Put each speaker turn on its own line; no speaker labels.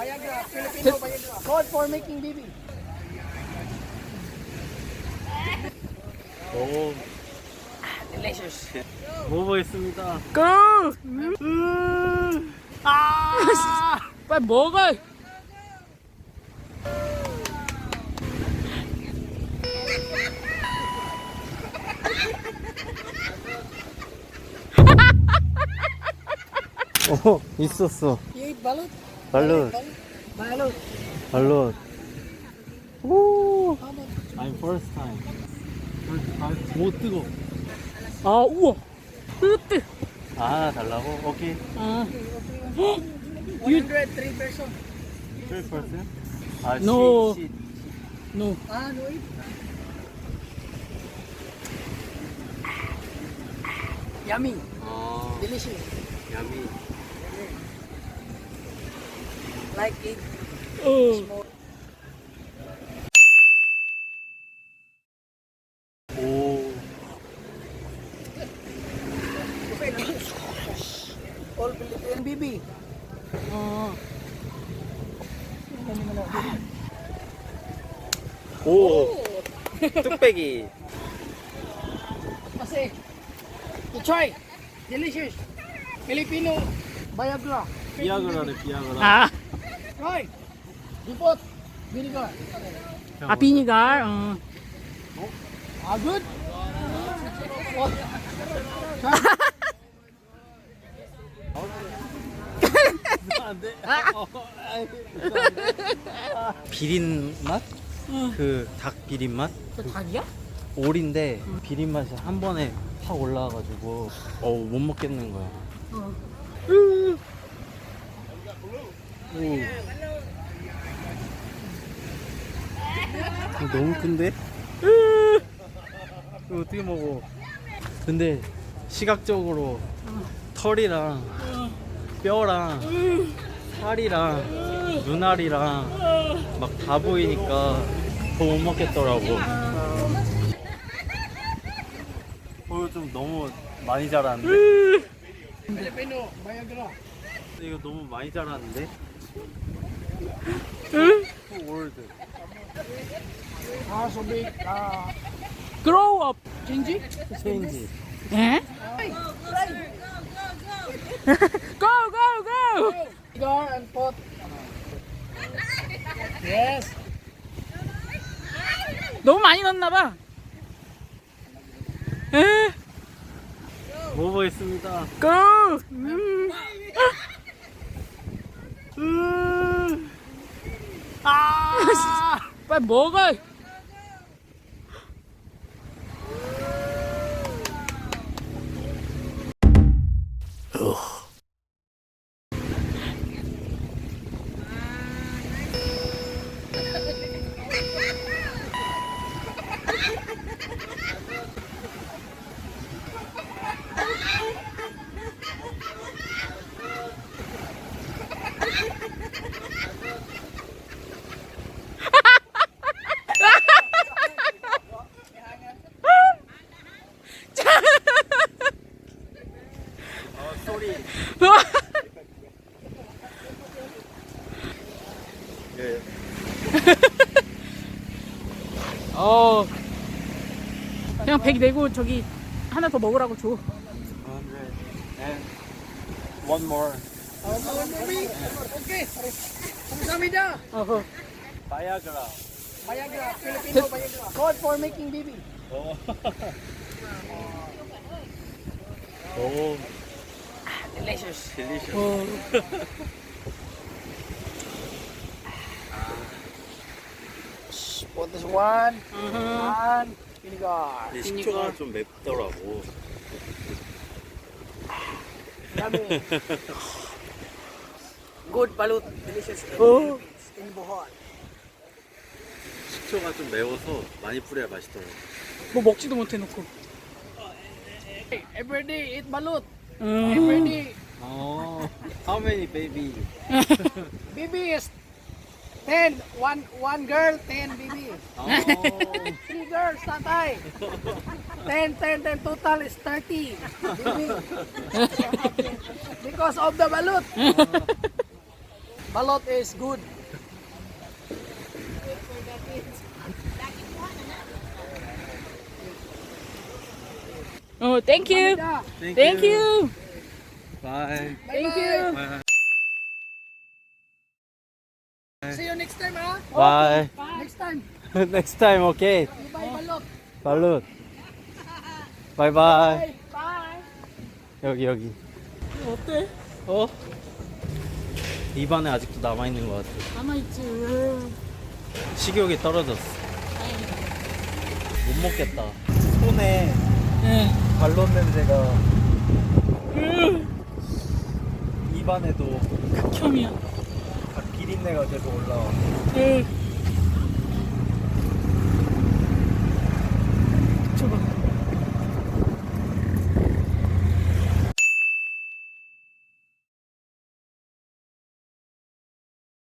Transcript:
Viagra, Filipino Viagra. Code for making baby.
오,
Delicious.
먹어보겠습니다.
고! 아! 빨리 먹어!
있었어.
You eat balut?
발로,
Balut.
발로. 오,
How much?
I'm first time. 오, 뜨거.
아, 우와! 뜨뜨!
아, 달라고? 오케이.
아,
103 peso.
3%? 아,
No.
시.
no.
Ah, no eat. Yummy.
어,
Delicious.
야미.
Like it.
어.
오,
All Filipino baby.
어.
오, 뚝배기.
Kasi, you try. Delicious. Filipino Viagra.
비아그라네, 비아그라.
아,
Try. You put vinegar.
아, 비니갈. 어.
Ah, good. What? Try.
안 돼. 비린 맛? 그 닭 비린 맛?
저 닭이야?
오리인데 비린 맛이 한 번에 확 올라와가지고 못 먹겠는 거야. 오. 너무 큰데? 이거 어떻게 먹어? 근데 시각적으로 털이랑 뼈랑 살이랑 눈알이랑 막 다 보이니까 더 못 먹겠더라고. 이거 좀 너무 많이 자랐는데?
Filipino Viagra.
이거 너무 많이 자랐는데? 월드.
Ah, so big. Ah,
grow up.
Gingy?
체인지.
에? go, go, go!
Vinegar and put. Yes.
너무 많이 넣었나봐. 에?
먹어보겠습니다.
go! 아! 빨리 먹어!
소리. 예.
어, 그냥 100 내고 저기 하나 더 먹으라고 줘.
100 and one more.
Baby. Okay. Kamsamida.
어허.
바야그라.
Viagra, Filipino Viagra. Code for making baby.
오. 오.
Delicious.
딜리셔.
어.
Put this one. And vinegar.
식초가 좀 맵더라고.
Yummy. Good balut. Delicious.
어.
In Bohol.
식초가 좀 매워서 많이 뿌려야 맛있더라고.
뭐 먹지도 못해 놓고.
Every day eat balut.
음.
Every day.
어. How many baby?
Baby is 10. One girl, 10 baby.
어.
3 girls, tatay. 10. Total is 30. Baby. Because of the balut. Balot is good.
Oh, thank you. Thank you.
Bye.
Thank you.
See you next time, ha?
Bye.
Next time.
Next time, okay.
You buy balot.
발룻. 바이바이.
Bye.
여기.
어때?
어? 입안에 아직도 남아있는 것 같아.
남아있지.
식욕이 떨어졌어.
다행이다.
못 먹겠다. 손에
네.
발롯 냄새가 입안에도
극혐이야.
비린내가 계속 올라와.
네.